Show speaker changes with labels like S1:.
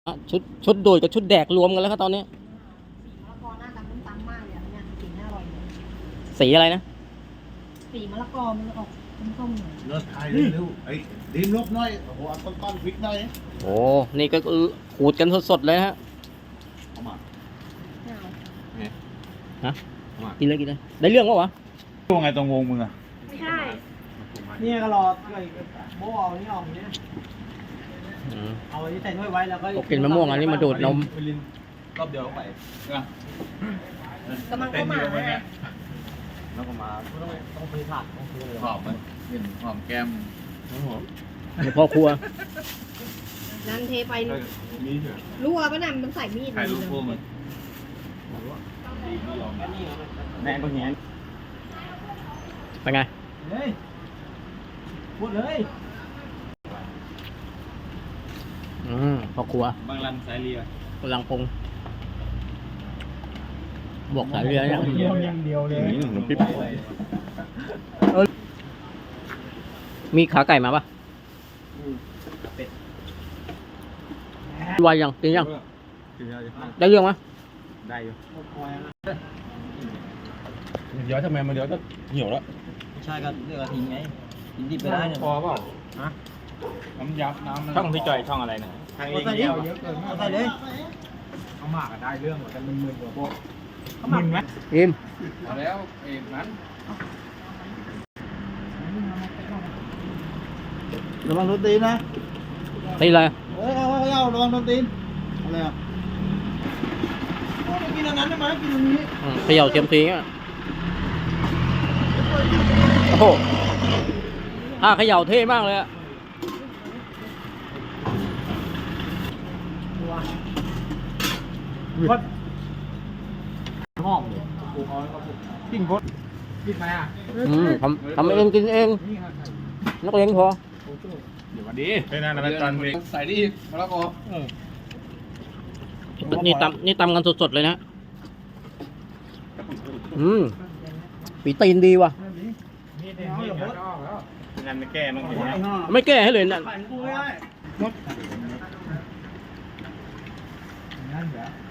S1: ชุดโดดกับชุดแดกรวมกันแล้วครับตอนนี้
S2: มะละกอหน้าตำตำมากเลยอ่ะเนี่ยสีน่าอร่อยเลย
S1: สีอะไรนะ
S2: สีมะละกอมันออกส้มๆหน่อย
S3: เลิศไทยเร็วไอ้ดิมลบหน่อยโอ้โหเอาต้นพริกหน่อย
S1: โอ้นี่ก็ขูดกันสดๆเลยฮะ
S3: เอามา
S2: ไม่เอา
S1: กินเลยได้เรื่องวะ
S3: ตัวไงตรงวงมึงอะ
S2: ไม่ใช่
S4: เนี่ยก็รอไอ้โบเอานี่ออกเนี่ย
S1: อืม
S4: เอาอันนี้ใส่ถ้วยไว้แล้วก็
S1: กินมะม่วงอันนี้มาดูดนม
S3: รอบเดียวไป
S2: กำลังเข้ามานะ
S3: แล้วก็มา
S4: ต้องซื้อผักต้องซื้อเลย
S3: หอมมันกลิ่นหอมแก้ม
S1: ในพ่อครัว
S2: นั่นเทไป
S3: มีเถอะ
S2: รั่วปะน่ะมันใส่มีด
S3: ถ่ายรูปพวกมัน
S4: แม่ก็เงี้ย
S1: เป็นไง
S4: เฮ้ยพูดเลย
S1: พ่อครัว
S3: บางรันสายเรีย
S1: กำลังปรุงบอกสายเรือเนี่ย
S4: อย่างเดียวเลย
S3: หนุ่มปิ๊บ
S1: มีขาไก่มาปะวายยังกินยังได้เรื่องมั้ย
S3: ได้อยู่
S4: คอยนะ
S3: เดี๋ยวทำไมมันเดี๋ยวก็เหี่ยวแล้ว
S4: ไม่ใช่ก็เลือกทิ้งไงทิ้งดิบไปได้เนี่ย
S3: พอเปล่าฮะน้ำยับน้ำช่องพี่จอยช่องอะไรนะทางเอง
S4: ใส่ดิ
S3: เดียว
S4: ใส่เลย
S3: เขาหมากได้เรื่องเหมือนกันมึนๆกว่าพวกมึนไหม
S1: อิม
S3: เอาแล้วเอกนั้น
S4: ระวังโดนตีนนะ
S1: ตีเลย
S4: เฮ้ยเอาระวังโดนตีนอะไรอ่ะไม่กินอันนั้นได้ไหมกินอันนี้
S1: เขย่าเทียมทีอ่ะโอ้โหถ้าเขย่าเท่มากเลยอะ
S4: พดหอมเลยกิ้งพดกินไหมอ่ะ
S1: ทำเองกินเองนักเลงพอ
S3: เดี๋ยววันดีเป็นนั่นนะตอนใส่ดิมะละกอ
S1: นี่ตำกันสดๆเลยนะปีตีนดีว่ะ
S3: งานไม่แก้มั้งเนี่ย
S1: ไม่แก้ให้เลยนะ
S4: กูไม่ได้หมดนั่นเหรอ